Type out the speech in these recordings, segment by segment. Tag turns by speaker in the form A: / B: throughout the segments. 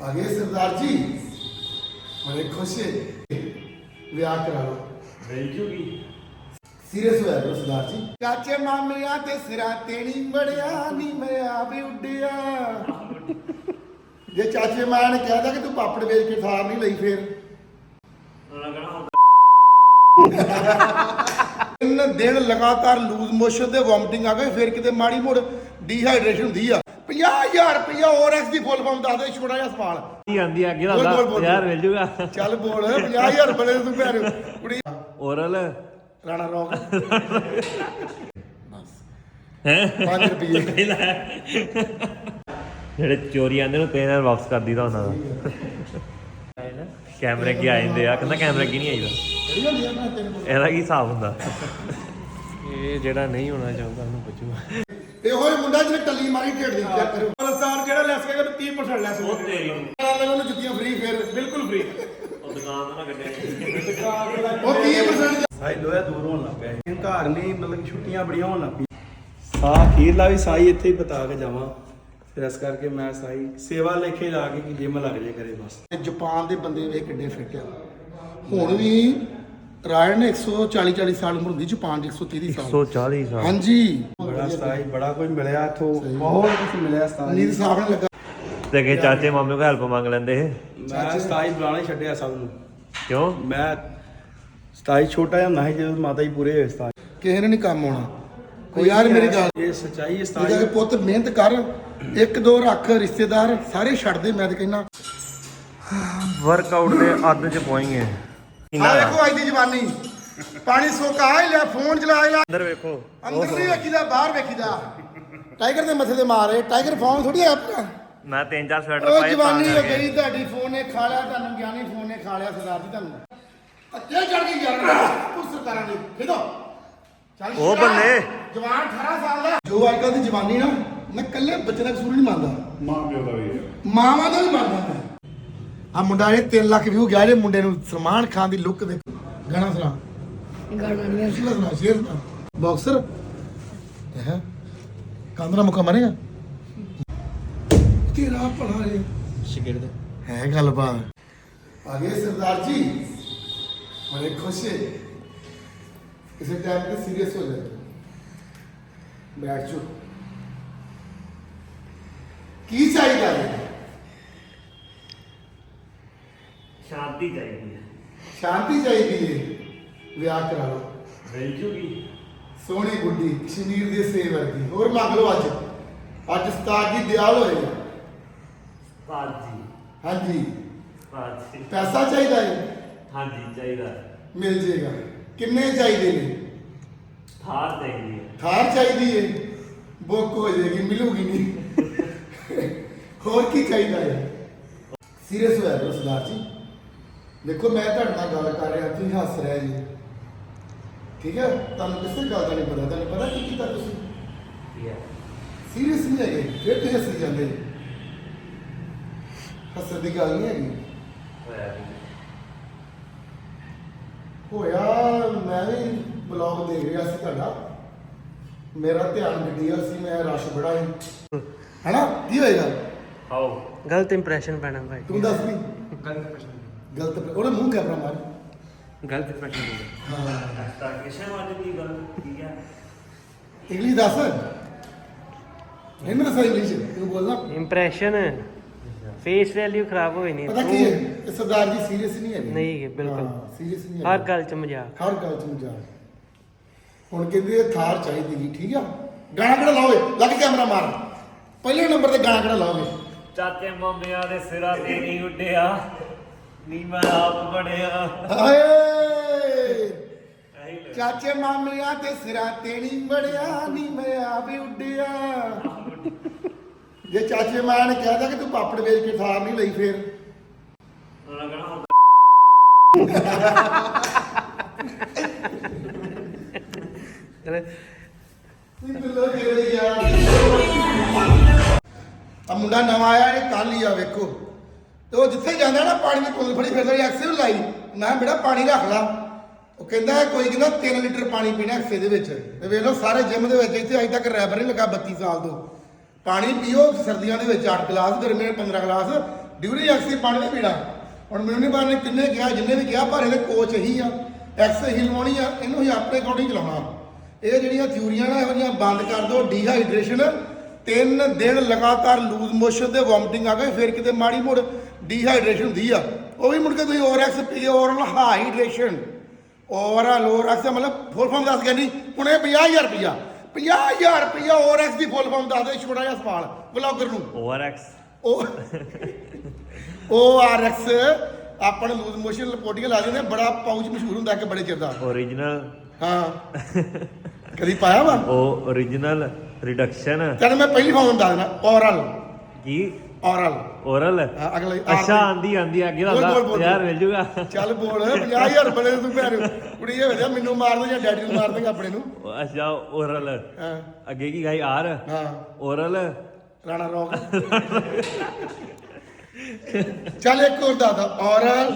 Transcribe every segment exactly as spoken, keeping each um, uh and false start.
A: आ गए सरदार जी, बड़े खुश है। ब्याह करा लो,
B: मिल जूगी।
A: सीरियस होया करो सरदार जी। चाचे मामिया ते सिरा तेनी बड़िया नी मैं आ भी उड्डिया। जे चाचे मां ने कह दिया कि तू पापड़ बेच के थार नहीं लई फिर तीन दिन लगातार लूज मोशन ते वॉमिटिंग आ गई, फिर किते माड़ी मोड़ डिहाइड्रेशन हुंदी आ। पचास हजार रुपया ओआरएक्स दी फुल फॉर्म दस दे, छोटा जिहा सवाल
B: ਕੀ ਆਂਦੀ ਅੱਗੇ
A: बोल,
B: ਦਾ
A: बोल, बोल,
B: ਯਾਰ
A: बोल।
B: ਮਿਲ ਜੂਗਾ।
A: ਚੱਲ ਬੋਲ ਪੰਜਾਹ ਹਜ਼ਾਰ ਬੜੇ ਤੂੰ ਭੈਣ ਕੁੜੀ
B: ਓਰਲ
A: ਰਾਣਾ ਰੌਕ
B: ਹੈ
A: ਪੰਜ ਰੁਪਏ
B: ਜਿਹੜੇ ਚੋਰੀ ਆਂਦੇ ਨੂੰ ਤਿੰਨ ਵਾਰ ਵਾਪਸ ਕਰ ਦੀਦਾ ਉਹਨਾਂ ਦਾ। ਕੈਮਰੇ ਕੀ ਆ ਜਾਂਦੇ ਆ, ਕਹਿੰਦਾ ਕੈਮਰਾ ਕੀ ਨਹੀਂ ਆਈਦਾ। ਇਹਦਾ ਕੀ ਹਿਸਾਬ ਹੁੰਦਾ? ਇਹ ਜਿਹੜਾ ਨਹੀਂ ਹੋਣਾ ਚਾਹੁੰਦਾ ਉਹਨੂੰ ਪੁੱਛੂਗਾ।
A: ਇਹੋ ਹੀ ਮੁੰਡਾ ਜਿਹਨੇ ਟੱਲੀ ਮਾਰੀ ਢੇਡ ਦੀ ਚੈੱਕ ਕਰੋ। ਪਲਸਾਰ ਜਿਹੜਾ ਲੈਸ ਕਹੇਗਾ ਤੂੰ ਤੀਹ ਪਰਸੈਂਟ ਲੈਸ
B: ਉਹ ਤੇਰੀ
A: ਨਾਲ ਉਹਨੂੰ ਜੁੱਤੀਆਂ ਫ੍ਰੀ ਫਿਰ ਬਿਲਕੁਲ ਫ੍ਰੀ।
B: ਉਹ ਦੁਕਾਨ ਤੋਂ ਨਾ ਕੱਢਿਆ
A: ਉਹ ਤੀਹ ਪਰਸੈਂਟ
C: ਸਾਈ ਲੋਹਾ ਦੂਰ ਹੋਣ ਲੱਗ ਪਿਆ ਸੀ। ਘਰ ਨਹੀਂ ਮਤਲਬ ਕਿ ਛੁੱਟੀਆਂ ਬੜੀਆਂ ਹੋਣ ਲੱਗ ਪਈਆਂ। ਸਾਹ ਅਖੀਰਲਾ ਵੀ ਸਾਈ ਇੱਥੇ ਹੀ ਬਤਾ ਕੇ ਜਾਵਾਂ, ਫਿਰ ਇਸ ਕਰਕੇ ਮੈਂ ਸਾਈ ਸੇਵਾ ਲੇਖੇ ਲਾ ਕੇ ਕਿ ਜਿਮ ਲੱਗ ਜੇ ਕਰੇ ਬਸ।
A: ਜਾਪਾਨ ਦੇ ਬੰਦੇ ਵੇਖ ਕਿੱਡੇ ਫਿੱਟ ਆ। ਹੁਣ ਵੀ ਰਾਇਣ ਨੇ ਇੱਕ ਸੌ ਚਾਲੀ ਚਾਲੀ ਸਾਲ ਉਮਰ ਹੁੰਦੀ, ਜਾਪਾਨ ਦੀ ਇੱਕ ਸੌ ਤੀਹ ਸਾਲ।
B: ਇੱਕ ਸੌ ਚਾਲੀ ਸਾਲ
A: ਹਾਂਜੀ
C: ਬੜਾ ਸਾਈ ਬੜਾ ਕੁਝ ਮਿਲਿਆ ਇੱਥੋਂ, ਬਹੁਤ ਕੁਝ ਮਿਲਿਆ ਸਾਈ।
A: ਨੀਂਦ ਸਾਫ ਨਹੀਂ ਲੱਗਾ।
B: ਤੇ ਅੱਗੇ ਚਾਚੇ ਮਾਮੇ ਕੋਲ ਹੈਲਪ ਮੰਗ ਲੈਂਦੇ ਇਹ।
C: ਮੈਂ ਸਤਾਈ ਬੁਲਾਣਾ ਹੀ ਛੱਡਿਆ ਸਭ ਨੂੰ।
B: ਕਿਉਂ?
C: ਮੈਂ ਸਤਾਈ ਛੋਟਾ ਜਿਹਾ ਹੁੰਦਾ ਸੀ ਜਦੋਂ ਮਾਤਾ ਜੀ ਪੂਰੇ ਹੋਏ ਸਤਾਈ।
A: ਕਿਸੇ ਨੇ ਨਹੀਂ ਕੰਮ ਆਉਣਾ। ਕੋਈ ਯਾਰ ਮੇਰੀ ਗੱਲ
C: ਇਹ ਸੱਚਾਈ ਹੈ।
A: ਇਹਦਾ
C: ਸਤਾਈ
A: ਕਿ ਪੁੱਤ ਮਿਹਨਤ ਕਰ, ਇੱਕ ਦੋ ਰੱਖ ਰਿਸ਼ਤੇਦਾਰ ਸਾਰੇ ਛੱਡ ਦੇ। ਮੈਂ ਤਾਂ ਕਹਿੰਦਾ
B: ਵਰਕਆਊਟ ਦੇ ਅੱਧ ਚ ਪਹੁੰਚੇ
A: ਆ ਵੇਖੋ ਅੱਜ ਦੀ ਜਵਾਨੀ, ਪਾਣੀ ਸੋਕਾ ਹੀ ਲਿਆ, ਫੋਨ ਚਲਾ ਲਿਆ।
B: ਅੰਦਰ ਵੇਖੋ,
A: ਅੰਦਰ ਨਹੀਂ ਵੇਖੀਦਾ, ਬਾਹਰ ਵੇਖੀਦਾ। ਟਾਈਗਰ ਦੇ ਮੱਥੇ ਤੇ ਮਾਰੇ, ਟਾਈਗਰ ਫੋਨ ਥੋੜੀ ਆ ਆਪਣਾ।
B: ਮੈਂ ਤਿੰਨ ਚਾਰ ਸਵੈਟਰ
A: ਉਹ
B: ਪਾਏ
A: ਜਵਾਨੀ
B: ਤਾਂ
A: ਹੋ
B: ਕਰਕੇ।
A: ਗਈ ਤੁਹਾਡੀ, ਫੋਨ ਨੇ ਖਾ ਲਿਆ ਤੁਹਾਨੂੰ, ਗਿਆਨੀ ਫੋਨ ਨੇ ਖਾ ਲਿਆ ਸਰਦਾਰ ਜੀ ਤੁਹਾਨੂੰ। ਅੱਤੇ ਚੜ ਗਈ ਯਾਰ ਤੂੰ ਸਰਕਾਰਾਂ ਦੀ ਖੇਡੋ। ਚੱਲ
B: ਉਹ ਬੰਦੇ
A: ਜਵਾਨ ਅਠਾਰਾਂ ਸਾਲ ਦਾ ਜੋ ਅੱਜ ਕੱਲ੍ਹ ਦੀ ਜਵਾਨੀ ਨਾ, ਮੈਂ ਕੱਲੇ ਬੱਚੇ ਦਾ ਕਸੂਰ ਨਹੀਂ ਮੰਨਦਾ,
C: ਮਾਂ ਪਿਓ ਦਾ ਵੀ
A: ਮਾਵਾਂ ਦਾ ਵੀ ਮੰਨਦਾ ਮੈਂ। ਆ ਮੁੰਡਾ ਇਹ ਤਿੰਨ ਲੱਖ ਵਿਊ ਗਿਆ ਜੇ ਮੁੰਡੇ ਨੂੰ। ਸਲਮਾਨ ਖਾਨ ਦੀ ਲੁੱਕ ਵੇਖੋ। ਗਾਣਾ ਸੁਣਾ,
D: ਗਾਣਾ ਨਹੀਂ
A: ਸ਼ੇਰ ਸੁਣਾ, ਸ਼ੇਰ ਸੁਣਾ। ਬਾਕਸਰ ਹੈ ਕਾਂਦਰਾ ਮੁੱਕਾ ਮਾਰੇਗਾ ਤੇਰਾ ਭਲਾ ਰੇ
C: ਸ਼ਿਗਰਦ
A: ਹੈ ਗੱਲਬਾਤ। ਆ ਗਏ ਸਰਦਾਰ ਜੀ, ਬੜੇ ਖੁਸ਼ ਹੈ। ਕਿਸੇ ਟਾਈਮ ਤੇ ਸੀਰੀਅਸ ਹੋ ਜਾਏ। ਬੈਠ ਜਾਓ। ਕੀ ਚਾਹੀਦਾ ਹੈ?
B: ਸ਼ਾਂਤੀ ਚਾਹੀਦੀ ਹੈ।
A: ਸ਼ਾਂਤੀ ਚਾਹੀਦੀ ਹੈ। ਵਿਆਹ ਕਰਾ ਲਓ,
B: ਮਿਲ ਜੂਗੀ।
A: ਸੋਹਣੀ ਗੁੱਡੀ ਕਸ਼ਮੀਰ ਦੇ ਸੇਬ ਵਰਗੀ। ਹੋਰ ਮੰਗ ਲਓ ਅੱਜ। ਅੱਜ ਉਸਤਾਦ ਜੀ ਦਿਆਲ ਹੋਏ।
B: ਭਾਜੀ
A: ਹਾਂਜੀ
B: ਭਾਜੀ
A: ਪੈਸਾ ਚਾਹੀਦਾ ਹੈ,
B: ਹਾਂਜੀ ਚਾਹੀਦਾ।
A: ਮਿਲ ਜੇਗਾ। ਕਿੰਨੇ ਚਾਹੀਦੇ ਨੇ?
B: ਥਾਰ ਚਾਹੀਦੀ ਹੈ।
A: ਥਾਰ ਚਾਹੀਦੀ ਹੈ, ਬੁੱਕ ਹੋ ਜਾਏਗੀ, ਮਿਲੂਗੀ ਨਹੀਂ। ਹੋਰ ਕੀ ਚਾਹੀਦਾ ਹੈ? ਸੀਰੀਅਸ ਹੋਇਆ ਕਰੋ ਸਰਦਾਰ ਜੀ। ਦੇਖੋ ਮੈਂ ਤੁਹਾਡੇ ਨਾਲ ਗੱਲ ਕਰ ਰਿਹਾ, ਤੁਸੀਂ ਹੱਸ ਰਹੇ ਜੀ, ਠੀਕ ਹੈ? ਤੁਹਾਨੂੰ ਕਿਸੇ ਗੱਲ ਦਾ ਨਹੀਂ ਪਤਾ, ਤੁਹਾਨੂੰ ਪਤਾ ਕੀ ਕੀਤਾ ਤੁਸੀਂ?
B: ਠੀਕ ਹੈ।
A: ਸੀਰੀਅਸ ਨਹੀਂ ਹੈਗੇ, ਫਿਰ ਤੁਸੀਂ ਹੱਸੀ ਜਾਂਦੇ। ਹੱਸਣ ਦੀ ਗੱਲ ਨਹੀਂ ਹੈਗੀ।
B: ਹੋਇਆ ਵੀ।
A: ਹੋਇਆ ਮੈਂ ਵੀ ਬਲੌਗ ਦੇਖ ਰਿਹਾ ਸੀ ਤੁਹਾਡਾ, ਮੇਰਾ ਧਿਆਨ ਗੱਡੀ ਵੱਲ ਸੀ, ਮੈਂ ਰਸ਼ ਬੜਾ ਸੀ, ਹੈਨਾ? ਕੀ ਹੋਏਗਾ?
B: ਆਓ
D: ਗਲਤ ਇੰਪ੍ਰੈਸ਼ਨ ਪੈਣਾ ਭਾਈ।
A: ਤੂੰ ਦੱਸ ਵੀ। ਗਲਤ ਉਹਨੇ ਮੂੰਹ ਕੈਮਰਾ ਮਾਰ।
D: ਗਲਤ ਇੰਪ੍ਰੈਸ਼ਨ
A: ਹਾਂ
B: ਤਾਂ ਕਿਸੇ ਵਾਜ ਦੀ ਗੱਲ ਕੀ ਹੈ?
A: ਇੰਗਲਿਸ਼ ਦੱਸ। ਇਹਨੂੰ ਦੱਸ ਇੰਗਲਿਸ਼ ਤੂੰ ਬੋਲਣਾ।
D: ਇੰਪ੍ਰੈਸ਼ਨ ਫੇਸ ਵੈਲਿਊ ਖਰਾਬ ਹੋਈ ਨਹੀਂ।
A: ਪਤਾ ਕੀ ਹੈ, ਇਹ ਸਰਦਾਰ ਜੀ ਸੀਰੀਅਸ ਨਹੀਂ ਹੈਗੇ।
D: ਨਹੀਂ ਹੈ, ਬਿਲਕੁਲ।
A: ਸੀਰੀਅਸ ਨਹੀਂ
D: ਹਰ
A: ਹੈਗੇ।
D: ਗੱਲ ਚ ਮਜ਼ਾਕ।
A: ਹਰ ਗੱਲ ਚ ਮਜ਼ਾਕ। ਹੁਣ ਕਹਿੰਦੇ ਇਹ ਥਾਰ ਚਾਹੀਦੀ ਜੀ, ਠੀਕ ਆ? ਗਾਣਾ ਕਿਹੜਾ ਲਾਓਗੇ? ਲੱਗ ਕੈਮਰਾ ਮਾਰ। ਪਹਿਲੇ ਨੰਬਰ ਤੇ ਗਾਣਾ ਕਿਹੜਾ ਲਾਓਗੇ?
B: ਚਾਚੇ ਮਾਮਿਆਂ ਦੇ ਸਿਰਾਂ ਤੇ ਨਹੀਂ ਉੱਡਿਆ, ਨੀ ਮੈਂ ਆਪ ਬਣਿਆ।
A: ਹਾਏ ਚਾਚੇ ਮਾਮਿਆਂ ਤੇ ਸਿਰਾਂ ਤੇ ਨਹੀਂ ਬੜਿਆ, ਨੀ ਮੈਂ ਆ ਵੀ ਉੱਡਿਆ। ਜੇ ਚਾਚੇ ਮਾਂ ਨੇ ਕਹਿ ਦਿਆ ਕਿ ਤੂੰ ਪਾਪੜ ਵੇਚ ਕੇ ਥਾਰ ਨਹੀਂ ਲਈ ਫਿਰ
B: ਉਹਨਾਂ ਕਹਣਾ
A: ਆ ਮੁੰਡਾ ਨਵਾਂ ਆਇਆ, ਇਹ ਕੱਲ ਹੀ ਆ ਵੇਖੋ। ਤੇ ਉਹ ਜਿੱਥੇ ਜਾਂਦਾ ਨਾ ਪਾਣੀ ਦੀ ਕੋਲ ਫੜੀ ਫਿਰਦਾ, ਐਕਸੇ ਲਾਈ। ਮੈਂ ਬੇਟਾ ਪਾਣੀ ਰੱਖ ਲਾ। ਉਹ ਕਹਿੰਦਾ ਕੋਈ ਕਹਿੰਦਾ ਤਿੰਨ ਲੀਟਰ ਪਾਣੀ ਪੀਣਾ ਐਕਸੇ ਦੇ ਵਿੱਚ। ਤੇ ਵੇਖ ਲਓ ਸਾਰੇ ਜਿਮ ਦੇ ਵਿੱਚ ਇੱਥੇ ਅਜੇ ਤੱਕ ਰੈਬਰ ਨਹੀਂ ਲੱਗਾ ਬੱਤੀ ਸਾਲ ਤੋਂ। ਪਾਣੀ ਪੀਓ ਸਰਦੀਆਂ ਦੇ ਵਿੱਚ ਅੱਠ ਗਲਾਸ, ਗਰਮੀਆਂ 'ਚ ਪੰਦਰਾਂ ਗਲਾਸ, ਡਿਊਰੀ ਐਕਸੀ ਪਾਣੀ ਨਹੀਂ ਪੀਣਾ। ਹੁਣ ਮੈਨੂੰ ਨਹੀਂ ਪਤਾ ਨੇ ਕਿੰਨੇ ਕਿਹਾ, ਜਿੰਨੇ ਵੀ ਕਿਹਾ, ਪਰ ਇਹਦੇ ਕੋਚ ਇਹੀ ਆ, ਐਕਸ ਹੀ ਲਵਾਉਣੀ ਆ, ਇਹਨੂੰ ਹੀ ਆਪਣੇ ਅਕੋਰਡਿੰਗ ਚਲਾਉਣਾ। ਇਹ ਜਿਹੜੀਆਂ ਥਿਊਰੀਆਂ ਨਾ ਇਹੋ ਜਿਹੀਆਂ ਬੰਦ ਕਰ ਦਿਓ। ਡੀਹਾਈਡਰੇਸ਼ਨ ਤਿੰਨ ਦਿਨ ਲਗਾਤਾਰ ਲੂਜ਼ ਮੋਸ਼ਨ ਤੇ ਵੋਮਟਿੰਗ ਆ ਗਏ, ਫਿਰ ਕਿਤੇ ਮਾੜੀ ਮੋੜ ਡੀਹਾਈਡਰੇਸ਼ਨ ਹੁੰਦੀ ਆ, ਉਹ ਵੀ ਮੁੜ ਕੇ ਤੁਸੀਂ ਓਵਰਐਕਸ ਪੀਏ, ਓਵਰਆਲ ਹਾਈਡਰੇਸ਼ਨ। ਓਵਰਆਲ ਓਵਰਐਕਸ ਦਾ ਮਤਲਬ ਫੁੱਲ ਫਾਰਮ ਦੱਸ ਗਿਆ ਨਹੀਂ ਹੁਣ ਇਹ ਪੰਜਾਹ ਹਜ਼ਾਰ ਰੁਪਈਆ ਪੰਜਾਹ ਹਜ਼ਾਰ ਰੁਪਈਆ ਓਵਰਐਕਸ ਦੀ ਫੁੱਲ ਫਾਰਮ ਦੱਸ ਦੇ ਛੋਟਾ ਜਿਹਾ ਸਵਾਲ ਬਲੌਗਰ ਨੂੰ।
B: ਓਵਰਐਕਸ
A: ਉਹ ਓਆਰਐਕਸ ਆਪਾਂ ਨੂੰ ਲੂਜ਼ ਮੋਸ਼ਨ ਲਪੋਟੀਆਂ ਲਾ ਦਿੰਦੇ, ਬੜਾ ਪਾਊਚ ਮਸ਼ਹੂਰ ਹੁੰਦਾ ਕਿ ਬੜੇ ਚਿਰ ਦਾ।
B: ਓਰੀਜਨਲ
A: ਹਾਂ ਕਦੀ ਪਾਇਆ ਵਾ
B: ਉਹ ਓਰੀਜਨਲ ਰਿਡਕਸ਼ਨ।
A: ਚੱਲ ਮੈਂ ਪਹਿਲੀ ਫਾਰਮ ਦੱਸ ਦੇਣਾ, ਓਰਲ
B: ਕੀ
A: ਓਰਲ
B: ਓਰਲ
A: ਅਗਲੇ
B: ਅੱਛਾ ਆਂਦੀ ਆਂਦੀ ਅੱਗੇ
A: ਬੋਲ, ਬੋਲ, ਬੋਲ।
B: ਦਾ ਯਾਰ ਮਿਲ ਜੂਗਾ।
A: ਚੱਲ ਬੋਲ ਪੰਜਾਹ ਹਜ਼ਾਰ ਰੁਪਏ ਦੇ ਤੂੰ ਭੈਣ ਕੁੜੀ ਇਹ ਵੇਖਿਆ ਮੈਨੂੰ ਮਾਰ ਦੇ ਜਾਂ ਡੈਡੀ ਨੂੰ ਮਾਰ ਦੇਗਾ ਆਪਣੇ ਨੂੰ।
B: ਉਹ ਅੱਛਾ ਓਰਲ
A: ਹਾਂ
B: ਅੱਗੇ ਕੀ ਗਾਈ ਆਰ
A: ਹਾਂ
B: ਓਰਲ
A: ਰਾਣਾ ਰੋਕ। ਚੱਲ ਇੱਕ ਹੋਰ ਦੱਸ ਓਰਲ